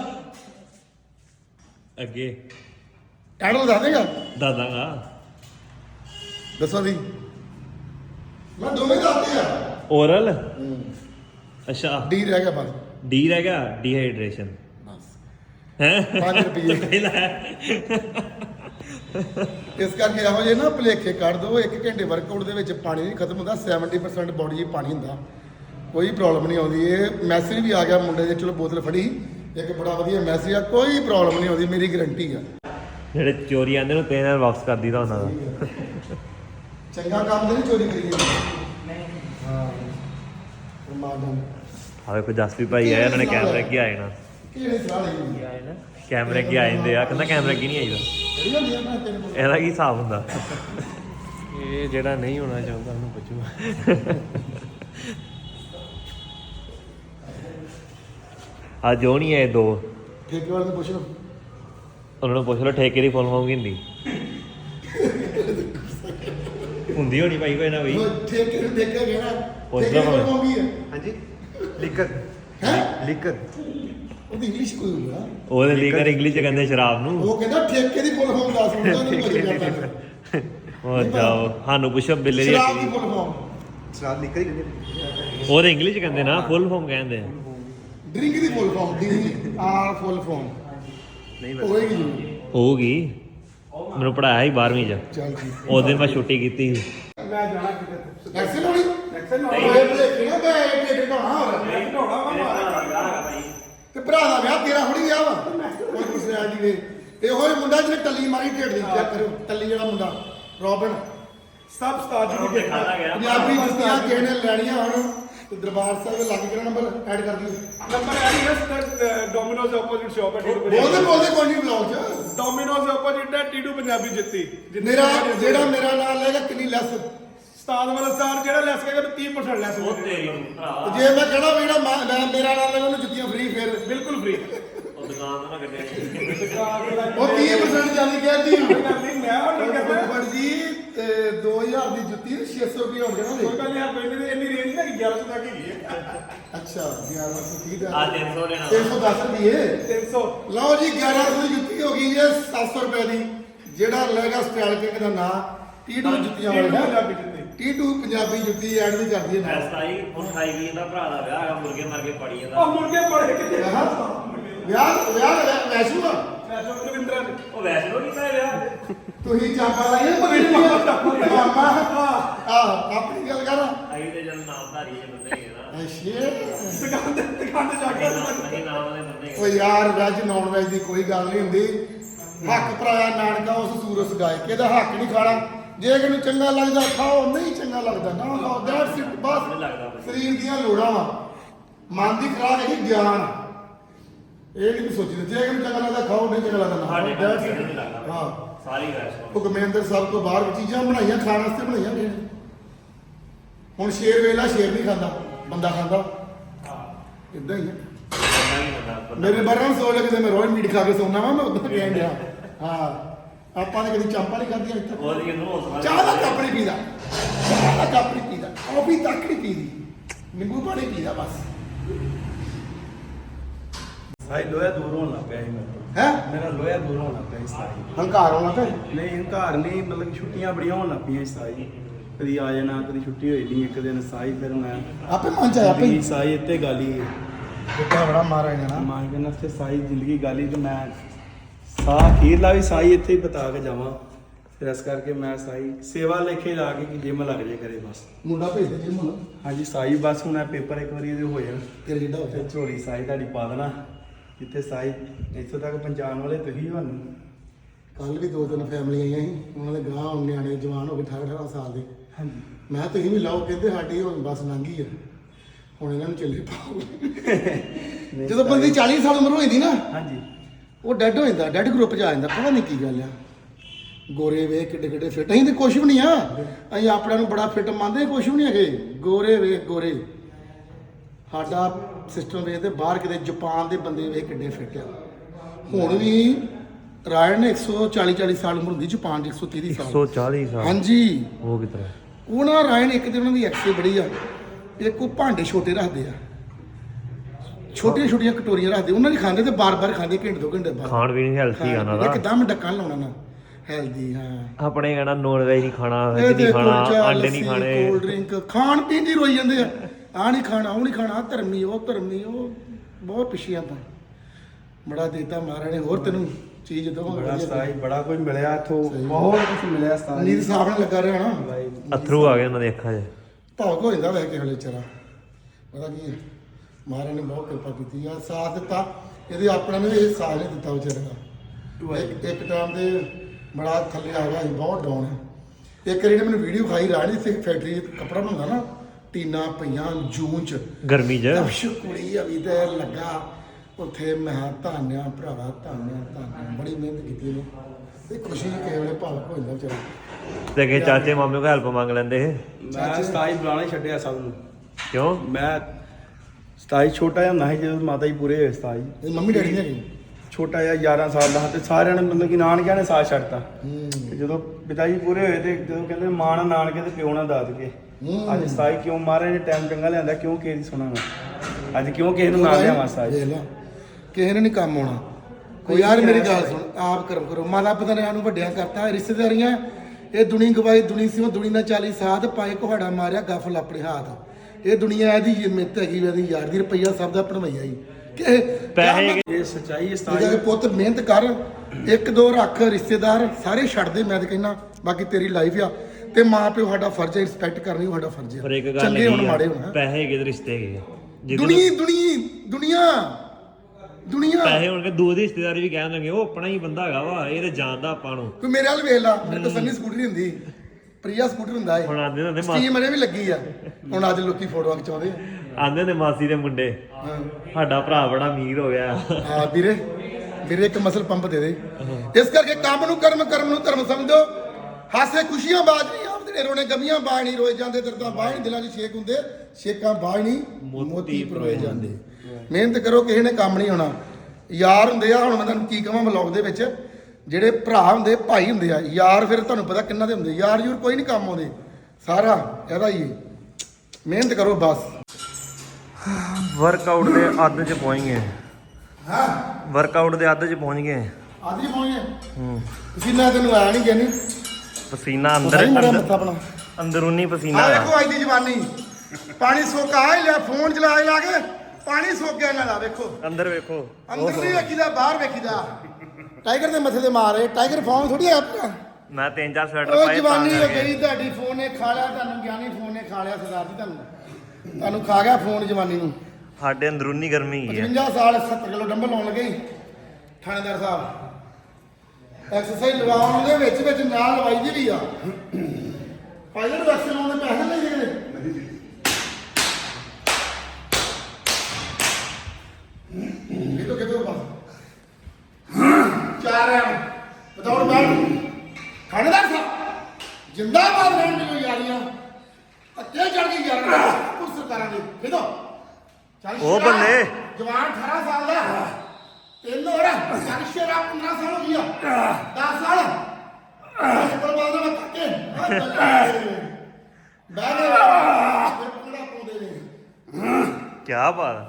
B: ਅੱਗੇ
A: ਟਾਈਟਲ ਦੱਸ ਦੇਗਾ
B: ਦਾਦਾਗਾ
A: ਦੱਸੋ ਦੀ ਮੈਂ ਦੋਵੇਂ ਦੱਸਦੇ ਆ।
B: ਓਰਲ ਅੱਛਾ
A: ਡੀ ਰਹਿ ਗਿਆ ਬਸ
B: ਡੀ ਰਹਿ ਗਿਆ ਡੀਹਾਈਡਰੇਸ਼ਨ
A: ਬਸ
B: ਹੈ
A: ਪੰਜ ਰੁਪਏ
B: ਪਹਿਲਾਂ
A: ਇਸ ਕਰਕੇ ਇਹੋ ਜਿਹੇ ਨਾ ਭੁਲੇਖੇ ਕੱਢ ਦੋ। ਇੱਕ ਘੰਟੇ ਵਰਕਆਊਟ ਦੇ ਵਿੱਚ ਪਾਣੀ ਨਹੀਂ ਖਤਮ ਹੁੰਦਾ, ਸੈਵਨਟੀ ਪਰਸੈਂਟ ਬੋਡੀ 'ਚ ਪਾਣੀ ਹੁੰਦਾ, ਕੋਈ ਪ੍ਰੋਬਲਮ ਨਹੀਂ ਆਉਂਦੀ। ਇਹ ਮੈਸੇਜ ਵੀ ਆ ਗਿਆ ਮੁੰਡੇ ਦੇ, ਚਲੋ ਬੋਤਲ ਫੜੀ, ਇੱਕ ਬੜਾ ਵਧੀਆ ਮੈਸੇਜ ਆ, ਕੋਈ ਪ੍ਰੋਬਲਮ ਨਹੀਂ ਆਉਂਦੀ, ਮੇਰੀ ਗਰੰਟੀ ਆ।
B: ਜਿਹੜੇ ਚੋਰੀ ਆਂਦੇ ਨੂੰ ਤੇਰੇ ਨਾਲ ਵਾਪਸ ਕਰ ਦੀਦਾ ਉਹਨਾਂ ਦਾ।
A: ਚੰਗਾ ਕੰਮ ਤੇ ਨਹੀਂ ਚੋਰੀ ਕਰੀ ਨਹੀਂ ਹਾਂ ਮਾਦਮ
B: ਆਵੇ ਕੋਈ ਜਸਪੀ ਭਾਈ ਆਇਆ, ਉਹਨਾਂ ਨੇ ਕੈਮਰੇ ਅੱਗੇ ਆਏ ਨਾ
A: ਕਿਹੜੇ ਸਲਾਹ ਲਈ
D: ਆਏ ਨਾ
B: ਕੈਮਰੇ ਅੱਗੇ ਆ ਜਾਂਦੇ ਆ, ਕਹਿੰਦਾ ਕੈਮਰਾ ਅੱਗੇ ਨਹੀਂ ਆਈਦਾ।
A: ਕਿਹੜੀ ਹੁੰਦੀ ਆ ਮੈਂ ਤੈਨੂੰ
B: ਇਹਦਾ ਕੀ ਹਿਸਾਬ ਹੁੰਦਾ?
D: ਇਹ ਜਿਹੜਾ ਨਹੀਂ ਹੋਣਾ ਚਾਹੁੰਦਾ ਉਹਨੂੰ ਪੁੱਛੂਗਾ।
B: ਆ ਜੋ ਨਹੀਂ ਆਏ ਦੋ,
A: ਠੇਕੇ ਵਾਲੇ ਨੂੰ ਪੁੱਛ ਲਓ।
B: ਉਹਨਾਂ ਨੂੰ ਪੁੱਛ ਲਓ ਠੇਕੇ ਦੀ ਫੁੱਲ ਫਾਰਮ ਕੀ ਹੁੰਦੀ? ਹੁੰਦੀ ਹੋਣੀ ਭਾਈ ਕੋਈ ਨਾ ਬਈ।
A: ਉਹ ਠੇਕੇ ਨੂੰ ਠੇਕਾ ਗਿਆ ਨਾ
B: ਪੁੱਛ
A: ਠੇਕੇ
B: ਲਓ
A: ਨੂੰ ਕੌਣ ਵੀ ਹੈ
C: ਹਾਂਜੀ ਲਿਕਰ
A: ਹੈ
C: ਲਿਕਰ
A: ਉਹਦੀ ਇੰਗਲਿਸ਼ ਕੋਈ ਹੁੰਦਾ।
B: ਉਹਦੇ ਲੀਗਰ ਇੰਗਲਿਸ਼ ਚ ਕਹਿੰਦੇ ਸ਼ਰਾਬ ਨੂੰ।
A: ਉਹ ਕਹਿੰਦਾ ਠੇਕੇ ਦੀ ਫੁੱਲ ਫਾਰਮ ਦੱਸ ਹੁੰਦਾ ਨਹੀਂ ਕੋਈ ਕਰਦਾ।
B: ਉਹ ਜਾਓ ਸਾਨੂੰ ਪੁੱਛੋ ਬਿੱਲੇ ਦੀ
A: ਸ਼ਰਾਬ ਦੀ ਫੁੱਲ ਫਾਰਮ
C: ਸ਼ਰਾਬ ਲਿਕਰ ਹੀ ਕਹਿੰਦੇ।
B: ਉਹਦੇ ਇੰਗਲਿਸ਼ ਚ ਕਹਿੰਦੇ ਨਾ ਫੁੱਲ ਫਾਰਮ ਕਹਿੰਦੇ ਆ।
A: ਡਰਿੰਕ ਦੀ full form D R full form
B: ਨਹੀਂ
A: ਹੋਏਗੀ ਜੀ।
B: ਹੋਊਗੀ, ਮੈਨੂੰ ਪੜਾਇਆ ਸੀ ਬਾਰਵੀਂ ਚ।
A: ਚੱਲ ਜੀ
B: ਉਸ ਦਿਨ ਮੈਂ ਛੁੱਟੀ ਕੀਤੀ ਸੀ।
C: ਮੈਂ ਜਾਣਾ ਕਿਤੇ
A: ਐਕਸਲ ਹੋਣੀ
C: ਐਕਸਲ
A: ਉਹ ਇਹ ਭੁਲੇਖੇ ਨਾ ਮੈਂ ਇਹ ਢਿੱਡ ਢਾਉਣਾ ਹੋਰ
C: ਨਹੀਂ ਢੋੜਾ ਵਾ ਮਾਰਾ
A: ਤੇ ਭਰਾ ਦਾ ਵਿਆਹ ਤੇਰਾ ਹੋਣੀ ਵਿਆਹ ਵਾ ਕੋਈ ਕਿਸੇ ਆ ਜੀ ਵੇ ਇਹੋ ਜਿਹਾ ਮੁੰਡਾ ਜਿਹਨੇ ਟੱਲੀ ਮਾਰੀ ਢਿੱਡ ਦੀ ਚੈੱਕ ਕਰੋ ਟੱਲੀ ਜਿਹੜਾ ਮੁੰਡਾ ਰੋਬਨ
C: ਸਭ ਸਟਾਰ ਜੀ ਦੀ
A: ਪੰਜਾਬੀ ਜੁੱਤੀਆਂ ਕਿਸੇ ਨੇ ਲੈਣੀਆਂ ਹੁਣ ਤੇ ਦਰਬਾਰ ਸਾਹਿਬ ਦੇ ਲੱਗ ਕਿਹੜਾ ਨੰਬਰ ਐਡ ਕਰ ਦਿਓ
C: ਨੰਬਰ ਹੈ ਹੀ ਸਰ ਡੋਮਿਨੋਜ਼ ਆਪੋਜ਼ਿਟ ਸ਼ਾਪ ਹੈ ਟੀਟੂ
A: ਬੋਲਦੇ ਬੋਲਦੇ ਕੋਈ ਨਹੀਂ ਬਲੌਗ ਚ
C: ਡੋਮਿਨੋਜ਼ ਆਪੋਜ਼ਿਟ ਹੈ ਟੀਟੂ ਪੰਜਾਬੀ ਜੁੱਤੀ
A: ਮੇਰਾ ਜਿਹੜਾ ਮੇਰਾ ਨਾਮ ਲੈਗਾ ਕਿੰਨੀ ਲੈਸ
C: ਉਸਤਾਦ ਵਾਲਾ ਸਟਾਰ ਜਿਹੜਾ ਲੈਸ ਕਹੇਗਾ ਤਾਂ ਤੀਹ ਪਰਸੈਂਟ ਲੈਸ ਹੋ
B: ਤੇਰੀ ਭਰਾ
A: ਜੇ ਮੈਂ ਕਹਣਾ ਵੀ ਜਿਹੜਾ ਮੈਂ ਮੈਂ- ਮੇਰਾ ਨਾਮ ਲੈਗਾ ਉਹਨੂੰ ਜੁੱਤੀਆਂ ਫ੍ਰੀ ਫਿਰ
C: ਬਿਲਕੁਲ ਫ੍ਰੀ
B: ਉਹ ਦੁਕਾਨ ਤੋਂ ਨਾ ਕੱਢਿਆ।
A: ਉਹ ਤੀਹ ਪਰਸੈਂਟ ਜਾਂਦੀ ਕਹਿੰਦੀ
C: ਕੋਈ ਗੱਲ ਨਹੀਂ ਮੈਂ ਹੁਣ ਨਹੀਂ ਕਰਦਾ
A: ਫੜ ਜੀ ਤੇ ਦੋ ਹਜ਼ਾਰ ਦੀ ਜੁੱਤੀ ਤੇ ਛੇ ਸੌ ਰੁਪਏ ਹੋ ਜਾਣਾ
C: ਕੋਈ
A: ਉਹਦੇ
C: ਗੱਲ ਨਹੀਂ ਕੋਈ ਨਹੀਂ ਇੰਨੀ ਰੇਂਜ ਨਹੀਂ ਗਿਆਰਾਂ ਸੌ ਤੱਕ ਹੈਗੀ ਹੈ
A: ਅੱਛਾ ਗਿਆਰਾਂ ਸੌ ਤੀਹ ਦਾ
B: ਆ ਤਿੰਨ ਸੌ ਲੈਣਾ।
A: ਤਿੰਨ ਸੌ ਦਸ ਰੁਪਏ
C: ਤਿੰਨ ਸੌ
A: ਲਓ ਜੀ ਗਿਆਰਾਂ ਸੌ ਦੀ ਜੁੱਤੀ ਹੋ ਗਈ ਜੇ ਸੱਤ ਸੌ ਰੁਪਏ ਦੀ ਜਿਹੜਾ ਲੈਗਾ ਸਟਾਈਲ ਕਿੰਗ ਦਾ ਨਾਂ ਟੀਟੂ ਜੁੱਤੀਆਂ ਵਾਲੇ
C: ਟੀਟੂ
A: ਦਾ
C: ਪੰਜਾਬੀ ਜੁੱਤੀ
A: ਟੀਟੂ ਪੰਜਾਬੀ ਜੁੱਤੀ ਐਡ ਵੀ ਕਰਦੀ ਹੈ
B: ਐਸਾ ਹੀ ਹੁਣ ਖਾਈ ਗਈ ਦਾ ਭਰਾ ਦਾ ਵਿਆਹ ਹੈਗਾ, ਮੁਰਗੇ ਮਰ ਕੇ ਪੜੀ ਜਾਂਦਾ।
C: ਉਹ ਮੁਰਗੇ ਬੜੇ ਕਿਤੇ
A: ਨਾਲ ਵਿਆਹ ਵਿਆਹ ਵੈਸ਼ੂ ਆ
C: ਰਵਿੰਦਰ
B: ਉਹ ਵੈਸ਼ਨੋ ਕੀਤਾ ਵਿਆਹ।
A: ਤੁਸੀਂ ਚਾਪਾ ਲਾਈਏ ਪਕੜੀ ਮਾਮਾ ਆਹ ਆਪਣੀ ਗੱਲ ਕਰ
B: ਅਸੀਂ ਤੇ ਜਦ ਨਾਮਧਾਰੀ ਦੇ ਬੰਦੇ ਹੈਗੇ ਨਾ।
A: ਅੱਛੇ
C: ਦੁਕਾਨ ਤੇ ਦੁਕਾਨ ਤੇ ਜਾ ਕੇ
B: ਅਸੀਂ ਨਾਮ ਅਸੀਂ ਨਾਮ ਵਾਲੇ ਬੰਦੇ ਹੈਗੇ।
A: ਓ ਯਾਰ ਵੈਜ ਨੌਨ ਵੈਜ ਦੀ ਕੋਈ ਗੱਲ ਨਹੀਂ ਹੁੰਦੀ ਹੱਕ ਭਰਾਇਆ ਨਾਨਕਾ ਉਸ ਸੂਰਸ ਗਾਏ ਕਿਹਦਾ ਹੱਕ ਨਹੀਂ ਖਾਣਾ ਜੇ ਕਿਨੂੰ ਚੰਗਾ ਲੱਗਦਾ ਖਾਓ ਨਹੀਂ ਚੰਗਾ ਲੱਗਦਾ ਨਾ ਖਾਓ ਦੈਟਸ ਇਟ ਬਸ
B: ਨਹੀਂ ਲੱਗਦਾ ਬਈ।
A: ਸਰੀਰ ਦੀਆਂ ਲੋੜਾਂ ਵਾ ਮਨ ਦੀ ਖੁਰਾਕ ਹੈ ਗਿਆਨ ਇਹ ਨਹੀਂ ਸੋਚੀਦਾ ਜੇ ਕਿਨੂੰ ਚੰਗਾ ਲੱਗਦਾ ਖਾਓ ਨਹੀਂ ਚੰਗਾ ਲੱਗਦਾ ਨਾ
B: ਸਾਡੇ
A: ਖਾਓ
B: ਨਾਲ
A: ਦੈਟਸ
B: ਨਹੀਂ
A: ਇਟ
B: ਲੱਗਦਾ।
A: ਹਾਂ
B: ਸਾਰੀ ਵੈਸ਼ਨੋ।
A: ਹੁਕਮੇਂਦਰ ਸਾਹਿਬ ਤੋਂ ਬਾਹਰ ਚੀਜ਼ਾਂ ਬਣਾਈਆਂ ਖਾਣ ਵਾਸਤੇ ਬਣਾਈਆਂ ਗਏ ਨੇ। ਹੁਣ ਸ਼ੇਰ ਵੇਲਾ ਸ਼ੇਰ ਨਹੀਂ ਖਾਂਦਾ ਬੰਦਾ ਖਾਂਦਾ ਇਦਾਂ ਹੀ ਹੈ
B: ਬੰਦਾ ਨਹੀਂ ਬੰਦਾ ਬੰਦਾ।
A: ਮੇਰੇ ਬਾਰੇ ਨੂੰ ਸੋਚ ਕੇ ਮੈਂ ਰੋਜ਼ ਮੀਟ ਖਾ ਕੇ ਸੌਣਾ ਵਾ ਮੈਂ ਉਦੋਂ ਕਹਿਣ ਡਿਆ ਹਾਂ ਆਪਾਂ ਨੇ ਕਦੀ ਚਾਂਪਾ ਨਹੀਂ ਖਾਧੀਆਂ ਇੱਥੇ
B: ਉਹਦੀ ਨੂੰ ਹੌਸਲਾ
A: ਚਾਹ ਦਾ ਕੱਪ ਨਹੀਂ ਪੀਦਾ ਚਾਹ ਦਾ ਕੱਪ ਨਹੀਂ ਪੀਦਾ ਕੌਫੀ ਤੱਕ ਨਹੀਂ ਪੀਦੀ ਨਿੰਬੂ ਪਾਣੀ ਪੀਦਾ ਬਸ
C: ਸਾਈ ਲੋਹਾ ਦੂਰ ਹੋਣ ਲੱਗ ਪਿਆ ਸੀ ਮੇਰੇ ਤੋਂ
A: ਹੈ
C: ਮੇਰਾ ਲੋਹਾ ਦੂਰ ਹੋਣ ਲੱਗ ਪਿਆ ਸੀ ਸਾਈ
A: ਹੰਕਾਰ ਆਉਣਾ ਤੇ
C: ਨਹੀਂ ਹੰਕਾਰ ਨਹੀਂ ਮਤਲਬ ਕਿ ਛੁੱਟੀਆਂ ਬੜੀਆਂ ਹੋਣ ਲੱਗ ਪਈਆਂ ਸੀ ਸਾਈ ਕਦੀ ਆ ਜਾਣਾ, ਕਦੀ ਛੁੱਟੀ ਹੋਈ ਨਹੀਂ ਇੱਕ ਦਿਨ ਸਾਈ ਫਿਰ ਮੈਂ
A: ਆਪੇ ਮਨ ਚ ਆਇਆ ਆਪੇ
C: ਜ਼ਿੰਦਗੀ ਸਾਈ ਇੱਥੇ ਗਾਲੀ
A: ਬੇਟਾ ਬੜਾ ਮਾਰਾ ਹੈ ਨਾ
C: ਮਾਂ ਕਹਿੰਦਾ ਤੇ ਸਾਈ ਜ਼ਿੰਦਗੀ ਗਾਲੀ ਤੇ ਮੈਂ ਸਾਹ ਅਖੀਰਲਾ ਵੀ ਸਾਈ ਇੱਥੇ ਹੀ ਬਤਾ ਕੇ ਜਾਵਾਂ। ਫਿਰ ਇਸ ਕਰਕੇ ਮੈਂ ਸਾਈ ਸੇਵਾ ਲੇਖੇ ਲਾ ਕੇ ਕਿ ਜਿਮ ਲੱਗ ਜੇ ਕਰੇ ਬਸ।
A: ਮੁੰਡਾ ਭੇਜ ਦੇ ਜਿਮ ਹੁਣ
C: ਹਾਂਜੀ ਸਾਈ ਬਸ ਹੁਣ ਇਹ ਪੇਪਰ ਇੱਕ ਵਾਰੀ ਇਹਦੇ ਹੋ ਜਾਣ
A: ਤੇਰੇ ਜਿੱਡਾ ਹੋ
C: ਤੇ ਝੋਲੀ ਸਾਈ ਤੁਹਾਡੀ ਪਾ ਦੇਣਾ ਜਿੱਥੇ ਸਾਈ ਇੱਥੋਂ ਤੱਕ ਪਹੁੰਚਾਉਣ ਵਾਲੇ ਤੁਸੀਂ ਹੋ।
A: ਕੱਲ ਵੀ ਦੋ ਤਿੰਨ ਫੈਮਲੀਆਂ ਆਈਆਂ ਸੀ, ਉਹਨਾਂ ਦੇ ਗਾਂ ਹੁਣ ਨਿਆਣੇ ਜਵਾਨ ਹੋ ਗਏ ਅਠਾਰਾਂ ਅਠਾਰਾਂ ਸਾਲ ਦੇ।
C: ਹਾਂਜੀ
A: ਮੈਂ ਤੁਸੀਂ ਵੀ ਲਾਓ, ਕਹਿੰਦੇ ਸਾਡੀ ਹੁਣ ਬਸ ਲੰਘੀ ਆ, ਹੁਣ ਇਹਨਾਂ ਨੂੰ ਚੱਲੇ ਪਾਓ। ਜਦੋਂ ਬੰਦੀ ਚਾਲੀ ਸਾਲ ਉਮਰ ਹੋ ਜਾਂਦੀ ਨਾ
C: ਹਾਂਜੀ
A: ਉਹ ਡੈਡ ਹੋ ਜਾਂਦਾ, ਡੈਡ ਗਰੁੱਪ 'ਚ ਆ ਜਾਂਦਾ, ਪਤਾ ਨਹੀਂ ਕੀ ਗੱਲ ਆ। ਗੋਰੇ ਵੇਖ ਕਿੱਡੇ ਕਿੱਡੇ ਫਿੱਟ, ਅਸੀਂ ਤੇ ਕੁਛ ਵੀ ਨਹੀਂ ਆ, ਅਸੀਂ ਆਪਣਿਆਂ ਨੂੰ ਬੜਾ ਫਿੱਟ ਮੰਨਦੇ, ਕੁਛ ਵੀ ਨਹੀਂ ਹੈਗੇ। ਗੋਰੇ ਵੇਖ ਗੋਰੇ, ਸਾਡਾ ਸਿਸਟਮ ਵੇਖ ਤੇ ਬਾਹਰ ਕਿਤੇ ਜਾਪਾਨ ਦੇ ਬੰਦੇ ਵੇਖ ਕਿੱਡੇ ਫਿੱਟ ਆ। ਹੁਣ ਵੀ ਰਾਇਣ ਨੇ ਇੱਕ ਸੌ ਚਾਲੀ ਚਾਲੀ ਸਾਲ ਉਮਰ ਹੁੰਦੀ, ਜਾਪਾਨ 'ਚ ਇੱਕ ਸੌ ਤੀਹ ਸਾਲ।
B: ਇੱਕ ਸੌ ਚਾਲੀ ਸਾਲ
A: ਹਾਂਜੀ
B: ਉਹ ਕਿਤਰਾ
A: ਉਹ ਨਾ ਰਾਇਣ ਇੱਕ ਤੇ ਉਹਨਾਂ ਦੀ ਐਕਸੇ ਬੜੀ ਆ, ਇੱਕ ਉਹ ਭਾਂਡੇ ਛੋਟੇ ਰੱਖਦੇ ਆ, ਛੋਟੀਆਂ ਛੋਟੀਆਂ ਕਟੋਰੀਆਂ ਰੱਖਦੇ, ਉਹਨਾਂ ਦੀ ਖਾਂਦੇ ਤੇ ਬਾਰ-ਬਾਰ ਖਾਂਦੇ ਘੰਟੇ ਦੋ ਘੰਟੇ ਬਾਅਦ।
B: ਖਾਣ ਪੀਣ ਹੈਲਥੀ ਖਾਣਾ ਦਾ
A: ਇੱਕਦਮ ਡੱਕਾ ਨੀ ਲਾਉਣਾ ਨਾ, ਹੈਲਦੀ। ਹਾਂ
B: ਆਪਣੇ ਕਹਿਣਾ ਨੌਨ ਵੈਜ ਨਹੀਂ ਖਾਣਾ,
A: ਇਹ
B: ਵੈਜ ਨਹੀਂ
A: ਤੇ
B: ਖਾਣਾ,
A: ਕੁਲਚਾ,
B: ਆਂਡੇ ਨਹੀਂ
A: ਲੱਸੀ,
B: ਖਾਣੇ।
A: ਕੋਲਡ ਡਰਿੰਕ ਖਾਣ ਪੀਣ ਦੀ ਰੋਈ ਜਾਂਦੇ ਆ, ਆਹ ਨਹੀਂ ਖਾਣਾ ਉਹ ਨਹੀਂ ਖਾਣਾ, ਧਰਮੀ ਉਹ ਧਰਮੀ ਉਹ, ਬਹੁਤ ਪਿੱਛੇ ਆਪਾਂ ਬੜਾ ਦੇਤਾ ਮਹਾਰਾਜ ਨੇ। ਹੋਰ ਤੈਨੂੰ ਚੀਜ਼ ਦੋ
C: ਬੜਾ ਸਾਈ ਬੜਾ ਕੁਝ ਮਿਲਿਆ ਇੱਥੋਂ, ਬਹੁਤ ਕੁਝ ਮਿਲਿਆ ਸਾਈ।
A: ਨੀਂਦ ਸਾਫ ਨਾਲ ਲੱਗਾ ਰਿਹਾ ਨਾ,
B: ਅਥਰੂ ਆ ਗਏ ਉਹਨਾਂ ਦੇ ਅੱਖਾਂ 'ਚ।
A: ਭੌਕ ਹੋ ਜਾਂਦਾ ਵੈਸੇ ਕਿਸੇ ਵੇਲੇ ਵਿਚਾਰਾ, ਪਤਾ ਕੀ ਹੈ ਮਹਾਰਾਜ ਨੇ ਬਹੁਤ ਕਿਰਪਾ ਕੀਤੀ ਆ, ਸਾਥ ਦਿੱਤਾ। ਇਹਦੇ ਆਪਣਾ ਨੇ ਇਹ ਸਾਥ ਨਹੀਂ ਦਿੱਤਾ ਵਿਚਾਰੇ ਦਾ। ਇੱਕ ਇੱਕ ਟਾਈਮ ਦੇ ਬੜਾ ਥੱਲੇ ਆ ਗਿਆ ਸੀ, ਬਹੁਤ ਡਾਊਨ ਹੈ। ਇੱਕ ਵਾਰੀ ਨੇ ਮੈਨੂੰ ਵੀਡੀਓ ਖਾਈ ਰਾਣੀ ਸੀ, ਫੈਕਟਰੀ ਕੱਪੜਾ ਬਣਾਉਂਦਾ ਨਾ, ਟੀਨਾ ਪਈਆਂ ਜੂਨ ਚ
B: ਗਰਮੀ 'ਚ
A: ਤਪਸ਼ ਕੁੜੀ ਅਵੀ ਤੇ ਲੱਗਾ ਉੱਥੇ। ਮੈਂ ਧੰਨਿਆ ਭਰਾਵਾ, ਧੰਨਿਆ ਧੰਨਿਆ, ਬੜੀ ਮਿਹਨਤ ਕੀਤੀ ਇਹਨੇ ਤੇ ਖੁਸ਼ੀ ਕਿਸੇ ਵੇਲੇ ਭਾਵੁਕ ਹੋ ਜਾਂਦਾ ਵਿਚਾਰਾ।
B: ਤੇ ਕਿ ਚਾਚੇ ਮਾਮੇ ਕੋਲ ਹੈਲਪ ਮੰਗ ਲੈਂਦੇ ਇਹ।
C: ਮੈਂ ਸਤਾਈ ਬੁਲਾਣਾ ਹੀ ਛੱਡਿਆ ਸਭ ਨੂੰ।
B: ਕਿਉਂ?
C: ਮੈਂ ਸਤਾਈ ਛੋਟਾ ਜਿਹਾ ਹੁੰਦਾ ਸੀ ਜਦੋਂ ਮਾਤਾ ਜੀ ਪੂਰੇ ਹੋਏ ਸਤਾਈ।
A: ਇਹ ਮੰਮੀ ਡੈਡੀ ਨੇ ਹੈਗੇ
C: ਛੋਟਾ ਜਿਹਾ ਗਿਆਰਾਂ ਸਾਲ ਦਾ ਤੇ ਸਾਰਿਆਂ ਨੇ ਮਤਲਬ ਕਿ ਨਾਨਕਿਆਂ ਨੇ ਸਾਥ ਛੱਡਤਾ। ਤੇ ਜਦੋਂ ਪਿਤਾ ਜੀ ਪੂਰੇ ਹੋਏ ਤੇ ਜਦੋਂ ਕਹਿੰਦੇ ਮਾਂ ਨਾਲ ਨਾਨਕੇ ਤੇ ਪਿਓ ਨਾਲ ਦਾਦ ਕੇ, ਅੱਜ ਸਤਾਈ ਕਿਉਂ ਮਹਾਰਾਜ ਨੇ ਟਾਈਮ ਚੰਗਾ ਲਿਆਂਦਾ, ਕਿਉਂ ਕਿਸੇ ਦੀ ਸੁਣਾ ਮੈਂ ਅੱਜ, ਕਿਉਂ ਕਿਸੇ ਨੂੰ ਨਾ ਲਿਆਵਾਂ ਸਤਾਈ।
A: ਦੇਖ ਲਾ ਕਿਸੇ ਨੇ ਨਹੀਂ ਕੰਮ ਆਉਣਾ ਕੋਈ। ਯਾਰ ਮੇਰੀ ਗੱਲ ਸੁਣ, ਆਪ ਕਰਮ ਕਰੋ। ਮਾਤਾ ਪਿਤਾ ਨੇ ਸਾਨੂੰ ਵੱਡਿਆਂ ਕਰਤਾ, ਰਿਸ਼ਤੇਦਾਰੀਆਂ ਇਹ ਦੁਨੀ ਗਵਾਈ ਦੁਨੀ ਸੀ ਦੁਨੀ ਨਾਲ ਚਾਲੀ ਸਾਧ ਪਾਏ, ਕੁਹਾੜਾ ਮਾਰਿਆ ਗਫਲ ਆਪਣੇ ਹੱਥ। ਇਹ ਦੁਨੀਆ ਇਹਦੀ ਮਿੱਤ ਹੈਗੀ, ਇਹਦੀ ਯਾਰ ਦੀ, ਰੁਪਈਆ ਸਭ ਦਾ ਭਣਵਈਆ ਹੀ ਕਿ
B: ਪੈਸੇ
C: ਇਹ ਸੱਚਾਈ ਹੈ
A: ਜੇ
C: ਸਤਾਈ।
A: ਪੁੱਤ ਮਿਹਨਤ ਕਰ, ਇੱਕ ਦੋ ਰੱਖ, ਰਿਸ਼ਤੇਦਾਰ ਸਾਰੇ ਛੱਡ ਦੇ। ਮੈਂ ਤਾਂ ਕਹਿੰਦਾ ਬਾਕੀ ਤੇਰੀ ਲਾਈਫ ਆ, ਤੇ ਮਾਂ ਪਿਓ ਸਾਡਾ ਫਰਜ਼ ਹੈ, ਰਿਸਪੈਕਟ ਕਰਨੀ ਸਾਡਾ ਫਰਜ਼
B: ਪਰ
A: ਹੈ।
B: ਇੱਕ ਗੱਲ
A: ਚੰਗੇ ਹੁਣ
B: ਹੈਗੀ
A: ਮਾੜੇ
B: ਆ,
A: ਹੋਣਾ।
B: ਪੈਸੇ ਹੈਗੇ ਤੇ ਰਿਸ਼ਤੇ ਹੈਗੇ ਆ। ਜਿਹਦੇ
A: ਦੁਨੀ ਦੁਨੀ ਦੁਨੀਆ ਦੁਨੀਆ
B: ਪੈਸੇ ਹੋਣਗੇ, ਦੋ ਦੀ ਰਿਸ਼ਤੇਦਾਰੀ ਵੀ ਕਹਿ ਦੇਣਗੇ ਉਹ ਆਪਣਾ ਹੀ ਬੰਦਾ ਹੈਗਾ ਵਾ, ਇਹ ਤੇ ਜਾਣਦਾ ਆਪਾਂ ਨੂੰ।
A: ਤੂੰ ਮੇਰੇ ਵੱਲ ਵੇਖ ਲਾ, ਮੇਰੇ ਕੋਲ ਸੰਨੀ ਸਕੂਟਰੀ ਹੁੰਦੀ, ਪ੍ਰਿਆ ਸਕੂਟਰ ਹੁੰਦਾ ਏ,
B: ਹੁਣ ਆਂਦੇ ਹੁੰਦੇ ਮਾ-
A: ਸਟੀਮ ਅਰੇ ਵੀ ਲੱਗੀ ਆ। ਹੁਣ ਅੱਜ ਲੋਕੀ ਫੋਟੋਆਂ ਖਿਚਾਉਂਦੇ
B: ਆਂਦੇ ਹੁੰਦੇ ਮਾਸੀ ਦੇ ਮੁੰਡੇ,
A: ਆ।
B: ਸਾਡਾ ਭਰਾ ਬੜਾ ਅਮੀਰ ਹੋ ਗਿਆ।
A: ਹਾਂ ਵੀਰੇ, ਵੀਰੇ ਇੱਕ ਮਸਲ ਪੰਪ ਦੇ ਦੇ। ਇਸ ਕਰਕੇ ਕੰਮ ਨੂੰ ਕਰਮ, ਕਰਮ ਨੂੰ ਧਰਮ ਸਮਝੋ। ਹਾਸੇ ਖੁਸ਼ੀਆਂ ਬਾਜ ਨਹੀਂ ਆਉਂਦੇ, ਰੋਣੇ ਗਮੀਆਂ ਬਾਜ ਨਹੀਂ ਰੋਏ ਜਾਂਦੇ, ਦਰਦਾਂ ਬਾਜ ਨਹੀਂ ਦਿਲਾਂ 'ਚ ਛੇਕ ਹੁੰਦੇ, ਛੇਕਾਂ ਬਾਜ ਨਹੀਂ ਮੋਤੀ ਪਰੋਏ ਜਾਂਦੇ। ਮਿਹਨਤ ਕਰੋ, ਕਿਸੇ ਨੇ ਕੰਮ ਨਹੀਂ ਹੋਣਾ। ਯਾਰ ਹੁੰਦੇ ਆ, ਹੁਣ ਮੈਂ ਤੁਹਾਨੂੰ ਕੀ ਕਹਾਂ ਵਲੌਗ ਦੇ ਵਿੱਚ, ਜਿਹੜੇ ਭਰਾ ਹੁੰਦੇ ਭਾਈ ਹੁੰਦੇ ਆ, ਯਾਰ ਫਿਰ ਤੁਹਾਨੂੰ ਪਤਾ ਕਿੰਨਾ ਦੇ ਹੁੰਦੇ। ਯਾਰ ਯੂਰ ਕੋਈ ਨਹੀਂ ਕੰਮ ਆਉਂਦੇ, ਸਾਰਾ ਇਹਦਾ ਹੀ। ਮਿਹਨਤ ਕਰੋ ਬਸ।
B: ਵਰਕਆਊਟ ਦੇ ਅੱਧ 'ਚ ਪਹੁੰਚ ਗਏ।
A: ਹਾਂ
B: ਵਰਕਆਊਟ ਦੇ ਅੱਧ 'ਚ ਪਹੁੰਚ ਗਏ।
A: ਆਦੀ ਪਹੁੰਚੇ
B: ਹੂੰ
A: ਤੁਸੀਂ, ਮੈਂ ਤੈਨੂੰ ਆਇਆ ਨਹੀਂ ਕਹਿੰਦੀ
B: ਪਸੀਨਾ ਅੰਦਰ
A: ਅੰਦਰ ਮੜਾ
B: ਅੰਦਰ-
A: ਮੱਥਾ ਆਪਣਾ।
B: ਅੰਦਰੂਨੀ ਪਸੀਨਾ
A: ਆ
B: ਆ।
A: ਵੇਖੋ ਅੱਜ ਦੀ ਜਵਾਨੀ, ਪਾਣੀ ਸੋਕਾ ਆ ਹੀ ਲਿਆ, ਫੋਨ ਚਲਾ ਲਾ ਕੇ ਪਾਣੀ ਸੋਕ ਗਿਆ ਇਹਨਾਂ ਦਾ। ਵੇਖੋ
B: ਅੰਦਰ ਵੇਖੋ,
A: ਅੰਦਰ ਨਹੀਂ ਵੇਖੀਦਾ, ਬਾਹਰ ਵੇਖੀਦਾ। ਟਾਈਗਰ ਦੇ ਮੱਥੇ ਤੇ ਮਾਰੇ, ਟਾਈਗਰ ਫੋਨ ਥੋੜੀ ਆ ਆਪਣਾ।
B: ਮੈਂ ਤਿੰਨ ਚਾਰ ਸਵੈਟਰ
A: ਉਹ
B: ਪਾਏ ਤਾਂ
A: ਜਵਾਨੀ ਹੋ
B: ਕਰਕੇ।
A: ਗਈ ਤੁਹਾਡੀ, ਫੋਨ ਨੇ ਖਾ ਲਿਆ ਤੁਹਾਨੂੰ, ਗਿਆਨੀ ਫੋਨ ਨੇ ਖਾ ਲਿਆ ਸਰਦਾਰ ਜੀ ਤੁਹਾਨੂੰ, ਤੁਹਾਨੂੰ ਖਾ ਗਿਆ ਫੋਨ ਜਵਾਨੀ ਨੂੰ।
B: ਸਾਡੇ ਅੰਦਰੂਨੀ ਗਰਮੀ ਹੀ ਹੈ।
A: ਪਚਵੰਜਾ ਸਾਲ ਸੱਤਰ ਕਿਲੋ ਡੰਬਲ ਲਾਉਣ ਲੱਗੇ ਸੀ ਥਾਣੇਦਾਰ ਸਾਹਿਬ। ਐਕਸਰਸਾਈਜ਼ ਲਵਾਉਣ ਦੇ ਵਿੱਚ ਵਿੱਚ ਨਾਲ ਲਵਾਈ ਦੀ ਵੀ ਆ। ਪਾਇਲਟ ਨੂੰ ਐਕਸਰਸਾਈਜ਼ ਲਾਉਣ ਦੇ ਪੈਸੇ ਨਹੀਂ ਦੇਣੇ। ਇਹ ਤਾਂ ਕਿਤੇ ਬਸ ਚਾਰ ਐਮ ਬਤੌਰ ਬੈਠ ਥਾਣੇਦਾਰ ਸਾਹਿਬ ਜਿੰਦਾਬਾਦ ਰਹਿਣ ਦੀ ਯਾਰੀਆਂ ਅੱਤੇ ਚੜ ਕੇ ਯਾਰਾਂ ਕੁਝ ਸਰਕਾਰਾਂ ਦੇ ਕਿਦੋਂ
B: ਉਹ ਬੰਦੇ
A: ਜਵਾਨ ਅਠਾਰਾਂ ਸਾਲ ਦਾ, ਤਿੰਨ ਹੋਰ ਚੱਲ ਸ਼ੇਰਾ ਪੰਦਰਾਂ ਸਾਲ ਹੋ ਗਿਆ, ਦਸ ਸਾਲ ਹਸਪਤਾਲ ਬਾਅਦ ਮੈਂ ਕੱਕੇ ਬਹਿ ਗਏ ਫਿਰ ਪੂਰਾ ਪਾਉਂਦੇ ਨੇ।
B: ਕੀ ਬਾਤ।